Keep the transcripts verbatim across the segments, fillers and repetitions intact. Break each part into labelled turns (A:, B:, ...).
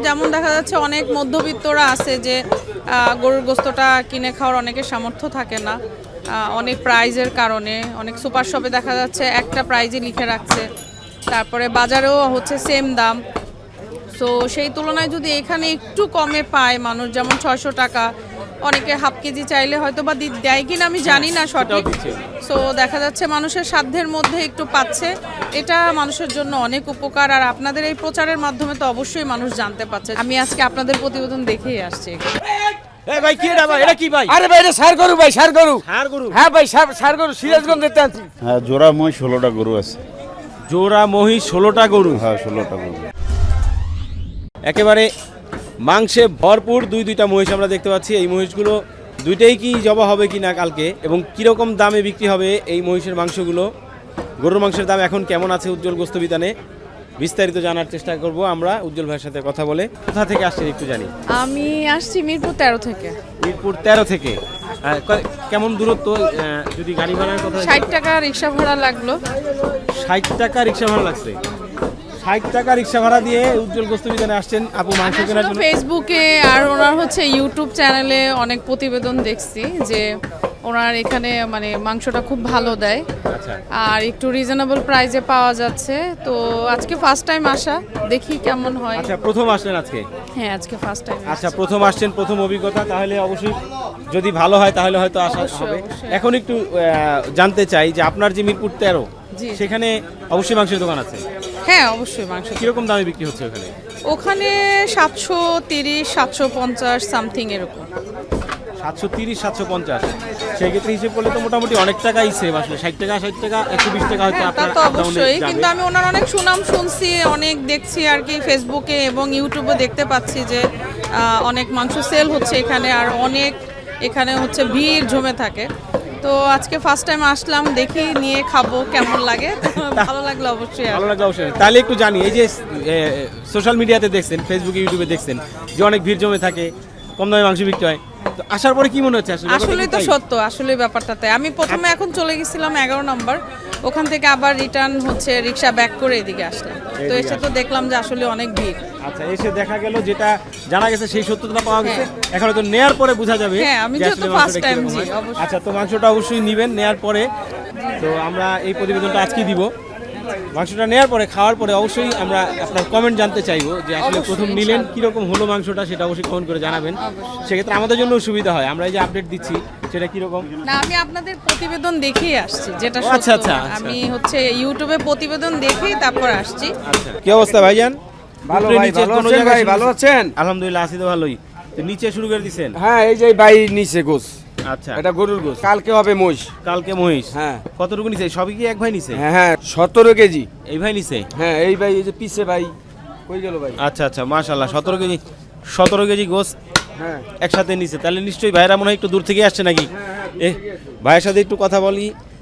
A: যেমন দেখা যাচ্ছে অনেক মধ্যবিত্তরা আছে যে গরুর গোস্তটা কিনে খাওয়ার অনেকের সামর্থ্য থাকে না, অনেক প্রাইজের কারণে। অনেক সুপার শপে দেখা যাচ্ছে একটা প্রাইজই লিখে রাখছে, তারপরে বাজারেও হচ্ছে সেম দাম। সো সেই তুলনায় যদি এখানে একটু কমে পায় মানুষ, যেমন ছয়শো টাকা, অনেকে হাফ কেজি চাইলে হয়তো বা দেয় কিনা আমি জানি না সঠিক। সো দেখা যাচ্ছে মানুষের সাধ্যের মধ্যে একটু পাচ্ছে, এটা মানুষের জন্য অনেক উপকার। আর আপনাদের এই প্রচারের মাধ্যমে তো অবশ্যই মানুষ জানতে পারছে। আমি আজকে আপনাদের প্রতিবেদন দেখেই আসছি।
B: এই ভাই কি এটা ভাই, এটা কি ভাই?
C: আরে ভাই এটা সার গরু ভাই, সার গরু।
B: সার গরু?
C: হ্যাঁ ভাই, সার সার গরু সিরাজগঞ্জ দেখতে আনছি।
D: হ্যাঁ, জোড়া মহিষ ষোলোটা গরু আছে।
B: জোড়া মহিষ ষোলোটা গরু?
D: হ্যাঁ, ষোলোটা গরু।
B: একেবারে মাংসে ভরপুর দুই দুইটা মহিষ আমরা দেখতে পাচ্ছি। এই মহিষগুলো দুইটাই কি জবা হবে কি না কালকে, এবং কীরকম দামে বিক্রি হবে এই মহিষের মাংসগুলো, গরুর মাংসের দাম এখন কেমন আছে উজ্জ্বল গোস্ত বিতানে, বিস্তারিত জানার চেষ্টা করব আমরা উজ্জ্বল ভাইয়ের সাথে কথা বলে। কোথা থেকে আসছেন একটু জানি?
A: আমি আসছি মিরপুর তেরো থেকে।
B: মিরপুর তেরো থেকে? কেমন দূরত্ব? যদি গাড়ি ভাড়ার কথা,
A: ষাট টাকা রিক্সা ভাড়া লাগলো।
B: ষাট টাকা রিক্সা ভাড়া লাগছে? ষাট টাকা রিক্সা ভাড়া দিয়ে উজ্জ্বল গোস্ত বিতানে আসছেন আপু মাংস কেনার জন্য?
A: ফেসবুকে আর ওনার হচ্ছে ইউটিউব চ্যানেলে অনেক প্রতিবেদন দেখছি যে ওনার এখানে মানে মাংসটা খুব ভালো দেয়, আর একটু রিজনেবল প্রাইসে পাওয়া যাচ্ছে। তো আজকে ফার্স্ট টাইম আসা, দেখি কেমন হয়।
B: আচ্ছা, প্রথম আসলেন আজকে?
A: হ্যাঁ, আজকে ফার্স্ট টাইম।
B: আচ্ছা, প্রথম আসছেন, প্রথম অভিজ্ঞতা, তাহলে অবশ্যই যদি ভালো হয় তাহলে হয়তো আসা হবে। এখন একটু জানতে চাই যে আপনার যে মিরপুর তেরো, সেখানে অবশ্যই মাংসের দোকান আছে?
A: হ্যাঁ, অবশ্যই মাংস।
B: কিরকম দামে বিক্রি হচ্ছে ওখানে?
A: ওখানে সাতশো তিরিশ, সাতশো পঞ্চাশ সামথিং এরকম।
B: সাতশো তিরিশ, সাতশো পঞ্চাশ? সেক্ষেত্রে হিসেব করলে তো মোটামুটি অনেক টাকাই সেভ আসলে। ষাট টাকা, ষাট টাকা, একশো বিশ টাকা হয়তো
A: আপনার তো অবশ্যই। কিন্তু আমি ওনার অনেক সুনাম শুনছি, অনেক দেখছি আর কি ফেসবুকে এবং ইউটিউবে দেখতে পাচ্ছি যে অনেক মাংস সেল হচ্ছে এখানে, আর অনেক এখানে হচ্ছে ভিড় জমে থাকে। তো আজকে ফার্স্ট টাইম আসলাম, দেখি নিয়ে খাবো কেমন লাগে। ভালো লাগলো অবশ্যই,
B: ভালো লাগলো অবশ্যই। তাহলে একটু জানি, এই যে সোশ্যাল মিডিয়াতে দেখছেন, ফেসবুকে ইউটিউবে দেখছেন যে অনেক ভিড় জমে থাকে, কম দামে মাংস বিক্রি হয়, তো আসার পরে কি মনে হচ্ছে?
A: আসলে তো সত্য, আসলে ব্যাপারটাতে আমি প্রথমে এখন চলে গেছিলাম এগারো নম্বর, ওখান থেকে আবার রিটার্ন হচ্ছে রিক্সা ব্যাক করে এদিকে আসলাম। তো এসে তো দেখলাম যে আসলে অনেক ভিড়।
B: আচ্ছা, এসে দেখা গেল যেটা জানা গেছে সেই সত্যতা পাওয়া গেছে, এখন তো নেয়ার পরে বোঝা যাবে।
A: হ্যাঁ, আমি যেহেতু ফার্স্ট টাইম। জি, অবশ্যই।
B: আচ্ছা, তো মাংসটা অবশ্যই নেবেন নেয়ার পরে। তো আমরা এই প্রতিবেদনটা আজকেই দিব। মাংসটা নেওয়ার পরে, খাওয়ার পরে অবশ্যই আমরা আপনার কমেন্ট জানতে চাইবো যে আসলে প্রথম নিলেন কিরকম হলো মাংসটা, সেটা অবশ্যই কমেন্ট করে জানাবেন। সেক্ষেত্রে আমাদের জন্য সুবিধা হয়, আমরা এই যে আপডেট দিচ্ছি সেটা কিরকম।
A: না, আমি আপনাদের প্রতিবেদন দেখেই আসছি, যেটা
B: আচ্ছা আচ্ছা
A: আমি হচ্ছে ইউটিউবে প্রতিবেদন দেখেই তারপর আসছি।
B: আচ্ছা, কি অবস্থা ভাইজান?
C: ভালো ভাই, ভালো আছেন ভাই? ভালো আছেন?
B: আলহামদুলিল্লাহ, আছি তো ভালোই। তো নিচে শুরু করে দিয়েছেন?
C: হ্যাঁ, এই যে ভাই নিচে গোস।
B: আচ্ছা,
C: এটা গরুর গোস, কালকে হবে মহিষ।
B: কালকে মহিষ?
C: হ্যাঁ।
B: কতটুকু নিছে? সবই কি এক ভাই নিছে?
C: হ্যাঁ হ্যাঁ, সতেরো কেজি।
B: এই ভাই নিছে?
C: হ্যাঁ, এই ভাই, এই যে পিছে ভাই কই গেল ভাই?
B: আচ্ছা আচ্ছা, মাশাআল্লাহ, সতেরো কেজি, সতেরো কেজি গোস
C: হ্যাঁ
B: একসাথে নিছে। তাহলে নিশ্চয়ই ভাইরা মনে হয় একটু দূর থেকে আসছে নাকি? এ ভাইয়ের সাথে একটু কথা বলি।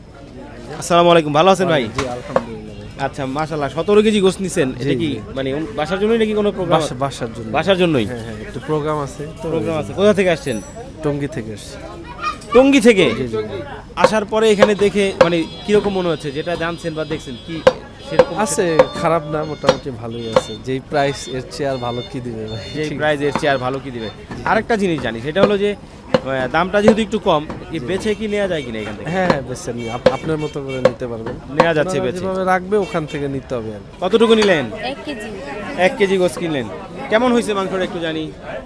B: আসসালামু আলাইকুম, ভালো আছেন ভাই?
E: জি, আলহামদুলিল্লাহ ভাই।
B: আচ্ছা, মাশাআল্লাহ, সতেরো কেজি গোস নিছেন। এটা কি মানে বাসার জন্যই নাকি কোনো প্রোগ্রাম?
E: বাসার জন্য।
B: বাসার জন্যই?
E: হ্যাঁ হ্যাঁ, একটু প্রোগ্রাম আছে তো।
B: প্রোগ্রাম আছে। কোথা থেকে আসছেন?
E: টঙ্গী থেকে এসেছি।
B: টঙ্গী থেকে? আসার পরে এখানে দেখে মানে কিরকম মনে হচ্ছে, যেটা জানছেন বা দেখছেন কি সেরকম
E: আছে, খারাপ না, মোটামুটি ভালোই আছে। যেই প্রাইস এর চেয়ে আর ভালো কি দিবে ভাই?
B: যে প্রাইস এর চেয়ে আর ভালো কি দিবে? আরেকটা জিনিস জানি, সেটা হলো যে দামটা যেহেতু একটু কম, কি বেচে কি নেওয়া যায় কিনা এখান থেকে?
E: হ্যাঁ হ্যাঁ, বেছে নিয়ে আপনার মতো করে নিতে পারবেন,
B: নেওয়া যাচ্ছে বেচে।
E: যেভাবে রাখবে ওখান থেকে নিতে হবে। আর
B: কতটুকু নিলেন?
F: এক কেজি।
B: এক কেজি গোস কিনলেন। কেমন হয়েছে মাংসটা একটু জানি?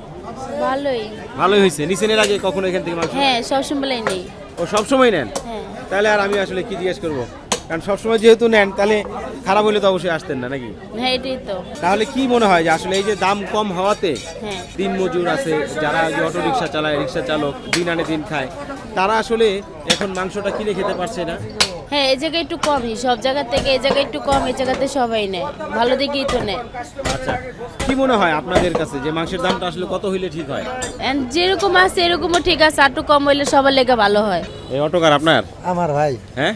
F: ভালোই।
B: ভালোই হয়েছে। নিছেন এর আগে কখনো এখান থেকে মাংস?
F: হ্যাঁ, সবসময় নেই।
B: ও সবসময় নেন?
F: হ্যাঁ।
B: তাহলে আর আমি আসলে কি জিজ্ঞেস করবো, কারণ সবসময় যেহেতু নেন তাহলে খারাপ হলে তো অবশ্যই আসতেন না নাকি?
F: হ্যাঁ, এটাই তো।
B: তাহলে কি মনে হয় যে আসলে এই যে দাম কম হওয়াতে
F: হ্যাঁ।
B: দিন মজুর আছে যারা অটো রিক্সা চালায়, রিক্সা চালক, দিন আনে দিন খায়, তারা আসলে এখন মাংসটা কিনে খেতে পারছে না?
F: হ্যাঁ, এই জায়গায় একটু কমই, সব জায়গা থেকে এই জায়গায় একটু কম, এই জায়গাতে সবাই নেয়, ভালো দিকেই তো নেয়।
B: আচ্ছা, কি মনে হয় আপনাদের কাছে যে মাংসের দামটা আসলে কত হইলে ঠিক হয়?
F: And যেরকম আছে এরকমও ঠিক আছে, একটু কম হইলে সবার লেগে ভালো হয়।
B: এই অটোকার আপনার?
G: আমার ভাই।
B: হ্যাঁ,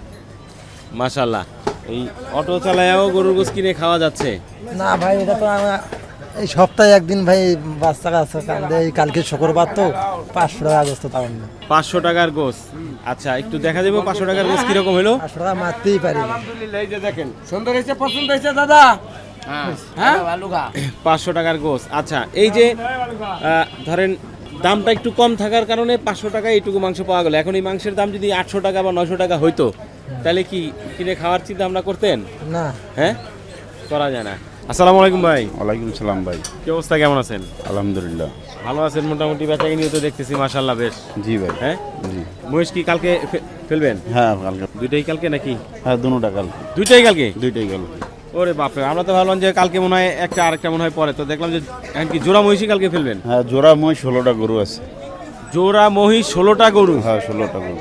B: মাশাআল্লাহ, এই অটো চালায়াও গরুর গোস কিনে খাওয়া যাচ্ছে?
G: না ভাই, এটা তো আমার এই সপ্তাহে একদিন ভাই বাচ্চা কাছে কান্দে, এই কালকে শুক্রবার তো পাঁচশো টাকা গোস্ত তাও না।
B: পাঁচশো টাকার গোস? আচ্ছা, একটু দেখা যাবে পাঁচশো টাকার গোস কিরকম হলো?
G: পাঁচশো টাকা মারতেই পারি।
C: আলহামদুলিল্লাহ, এই যে দেখেন সুন্দর হয়েছে, পছন্দ হয়েছে দাদা? হ্যাঁ
B: পাঁচশো টাকার গোস। আচ্ছা, এই যে আহ, ধরেন দামটা একটু কম থাকার কারণে পাঁচশো টাকায় এইটুকু মাংস পাওয়া গেল। এখন এই মাংসের দাম যদি আটশো টাকা বা নয়শো টাকা হইতো, তাহলে কি কিনে খাওয়ার চিন্তা ভাবনা করতেন?
G: না
B: হ্যাঁ, করা যায় না। আসসালামু আলাইকুম ভাই,
D: ওয়ালাইকুম সালাম ভাই।
B: কি অবস্থা, কেমন আছেন?
D: আলহামদুলিল্লাহ।
B: ভালো আছেন মোটামুটি, বেচাকিনিও তো দেখতেছি মাশাআল্লাহ বেশ।
D: জি ভাই।
B: হ্যাঁ,
D: জি।
B: মহিষ কি কালকে ফে- ফেলবেন?
D: হ্যাঁ কালকে।
B: দুইটাই কালকে নাকি?
D: হ্যাঁ দুটা কালকে।
B: দুইটাই কালকে?
D: দুইটাই কালকে।
B: ওরে বাপরে, আমরা তো ভাবলাম যে কালকে মনে হয় একটা আরেকটা মনে হয় পরে, তো দেখলাম যে এখন কি জোড়া মহিষই কালকে ফেলবেন?
D: হ্যাঁ জোড়া মই ষোলোটা গরু আছে।
B: জোড়া মহিষ ষোলোটা গরু?
D: হ্যাঁ ষোলোটা গরু।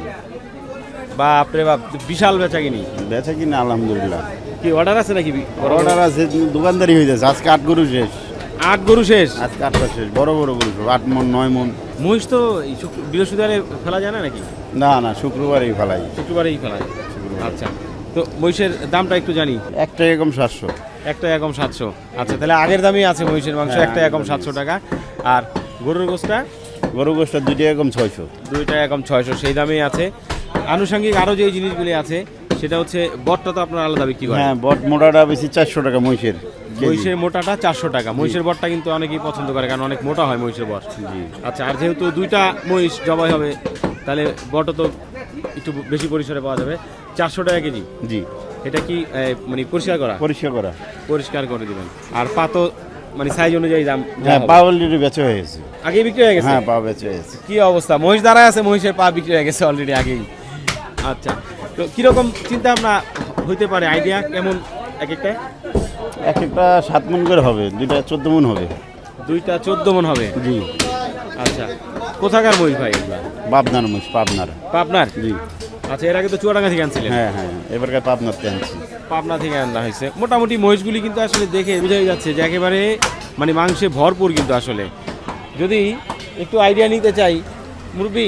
B: বাপরে বাপ, বিশাল বেচাকিনি।
D: বেচা কিনা আলহামদুলিল্লাহ।
B: কি অর্ডার আছে নাকি?
D: অর্ডার আছে, দোকানদারি হয়ে যাচ্ছে। আজকে আট গরু শেষ।
B: আট গরু শেষ?
D: আজকে আটটা শেষ। বড় বড় গরু সব, আট মন নয় মন।
B: মহিষ তো এই শুক্র- বৃহস্পতিবারে ফেলা যায় না নাকি?
D: না না শুক্রবারই ফেলাই।
B: শুক্রবারেই ফেলায়। আচ্ছা, তো মহিষের দামটা একটু জানি।
D: একটা এরকম সাতশো।
B: একটা একম সাতশো। আচ্ছা, তাহলে আগের দামই আছে মহিষের মাংস,
D: হ্যাঁ,
B: একটা একম
D: আগের
B: সাতশো টাকা। আর গরুর গোশটা?
D: গরু গোষ্ঠটা দুইটা এরকম ছয়শো।
B: দুইটা একম ছয়শো, সেই দামেই আছে। আনুষঙ্গিক আরও যে জিনিসগুলি আছে সেটা হচ্ছে বটটা তো আপনার আলাদা বিক্রি করেন।
D: হ্যাঁ বট মোটাটা বেশি চারশো টাকা মহিষের কেজি।
B: মহিষের মোটাটা চারশো টাকা। মহিষের বটটা কিন্তু অনেকেই পছন্দ করে, কারণ অনেক মোটা হয় মহিষের বট।
D: জি।
B: আচ্ছা, আর যেহেতু দুইটা মহিষ জবাই হবে, তাহলে বটও তো একটু বেশি পরিসরে পাওয়া যাবে। চারশো টাকা কেজি।
D: জি।
B: এটা কি এ, মানে পরিষ্কার করা?
D: পরিষ্কার করা।
B: পরিষ্কার করে দিবেন। আর পা তো মানে সাইজ অনুযায়ী দাম যা
D: হ্যাঁ
B: হবে।
D: পা অলরেডি বেচা হয়ে গেছে।
B: আগে বিক্রি হয়ে গেছে?
D: হ্যাঁ পা বেচা হয়ে গেছে।
B: কি অবস্থা, মহিষ দাঁড়ায় আছে, মহিষের পা বিক্রি হয়ে গেছে অলরেডি আগেই। আচ্ছা, তো কিরকম চিন্তা ভাবনা হইতে পারে, আইডিয়া কেমন এক একটা?
D: এক একটা সাত মন করে হবে, দুইটা চোদ্দ মন হবে।
B: দুইটা চোদ্দ মন হবে?
D: জি।
B: আচ্ছা, কোথাকার মহিষ ভাই এগুলা?
D: পাবনার মুষ, পাবনার।
B: পাবনার?
D: জি।
B: আচ্ছা, এর আগে তো চুয়াডাঙ্গা থেকে আনছিলেন?
D: হ্যাঁ হ্যাঁ এবারকার পাবনার আনছি।
B: পাবনা থেকে আনা হয়েছে। মোটামুটি মহিষগুলি কিন্তু আসলে দেখে বোঝাই যাচ্ছে যে একেবারে মানে মাংসে ভরপুর। কিন্তু আসলে যদি একটু আইডিয়া নিতে চাই, মুরব্বি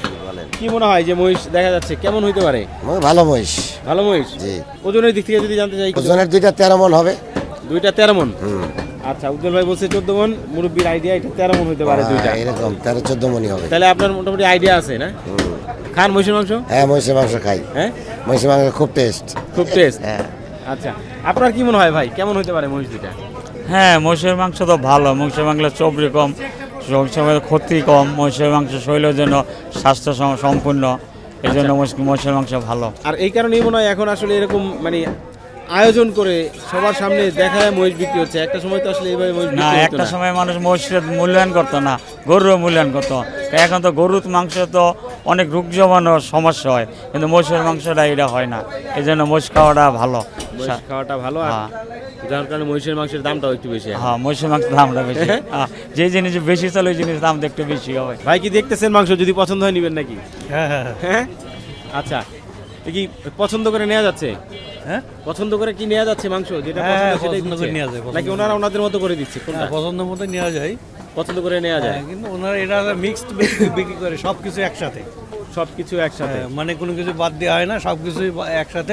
B: কি মনে হয় যে মহিষ দেখা যাচ্ছে কেমন হইতে পারে?
G: ভালো মহিষ।
B: ভালো মহিষ?
G: জি।
B: ওজনের দিক থেকে যদি জানতে চাই?
G: ওজনের দুইটা তেরো মন হবে।
B: দুইটা তেরো মন? আচ্ছা, উজ্জ্বল ভাই বলছে চোদ্দ মন, মুরব্বির আইডিয়া এটা তেরো মন হইতে পারে দুইটা।
G: এরকম তেরো চোদ্দ মনই হবে।
B: তাহলে আপনার মোটামুটি আইডিয়া আছে না? খান মহিষের মাংস?
G: হ্যাঁ মহিষের মাংস খাই।
B: হ্যাঁ,
G: মহিষের মাংস খুব টেস্ট।
B: খুব টেস্ট।
G: হ্যাঁ।
B: আচ্ছা, আপনার কি মনে হয় ভাই কেমন হইতে পারে মহিষ দুইটা?
H: হ্যাঁ মহিষের মাংস তো ভালো। মহিষের মাংস চর্বি কম, মহিষের ক্ষতি কম, মহিষের মাংস শরীরের জন্য স্বাস্থ্য সম- সম্পূর্ণ, এই জন্য মহিষ- মহিষের মাংস ভালো।
B: আর এই কারণেই মনে হয় এখন আসলে এরকম মানে আয়োজন করে সবার সামনে দেখায় মহিষ বিক্রি হচ্ছে। একটা সময় তো আসলে এইভাবে মহিষ
H: না,
B: বিক্রি হতো
H: একটা
B: না।
H: সময় মানুষ মহিষের মূল্যায়ন করতো না, গরুর মূল্যায়ন করতো। এখন তো গরুর মাংস তো অনেক রোগ জমানোর সমস্যা হয়, কিন্তু মহিষের মাংসটা এটা হয় না। এই জন্য মহিষ খাওয়াটা ভালো।
B: মহিষ খাওয়াটা ভালো, আর
H: হ্যাঁ।
B: যার কারণে মহিষের মাংসের দামটাও একটু বেশি এখন।
H: হ্যাঁ মহিষের মাংসের দামটা বেশি। হ্যাঁ, যে জিনিস বেশি চলে ওই জিনিস দাম একটু বেশি হবে।
B: ভাই কি দেখতেছেন মাংস, যদি পছন্দ হয় নিবেন নাকি?
E: হ্যাঁ হ্যাঁ
B: হ্যাঁ, আচ্ছা, এ কি পছন্দ করে নেওয়া যাচ্ছে?
E: হ্যাঁ
B: পছন্দ করে কি নেওয়া যাচ্ছে মাংস, যেটা
E: হ্যাঁ,
B: পছন্দ সেটাই
E: পছন্দ করে
B: দিচ্ছে?
E: নেওয়া যায়, পছন্দ
B: নাকি ওনারা ওনাদের মতো করে দিচ্ছে? কোনটা
E: হ্যাঁ পছন্দ মতো নেওয়া যায়।
B: পছন্দ করে নেওয়া যায়?
E: হ্যাঁ, কিন্তু ওনারা এটা মিক্সড বিক্রি করে সব কিছু একসাথে।
B: সবকিছু একসাথে?
E: হ্যাঁ, মানে কোনো কিছু বাদ দেওয়া হয় না, সব কিছুই একসাথে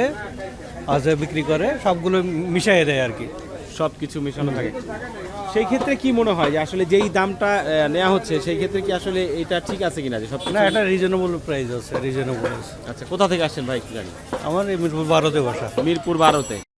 E: আছে বিক্রি করে, সবগুলো মিশিয়ে দেয় আর কি।
B: সব কিছু মেশানো থাকে। সেই ক্ষেত্রে কি মনে হয় যে আসলে যেই দামটা আহ, নেওয়া হচ্ছে সেই ক্ষেত্রে কি আসলে এটা ঠিক আছে কিনা, যে সব
E: না, এটা রিজনেবল প্রাইস আছে, রিজনেবল।
B: আচ্ছা, কোথা থেকে আসছেন ভাই একটু জানি?
E: আমার এই মিরপুর বারোতে বসা।
B: মিরপুর বারোতে।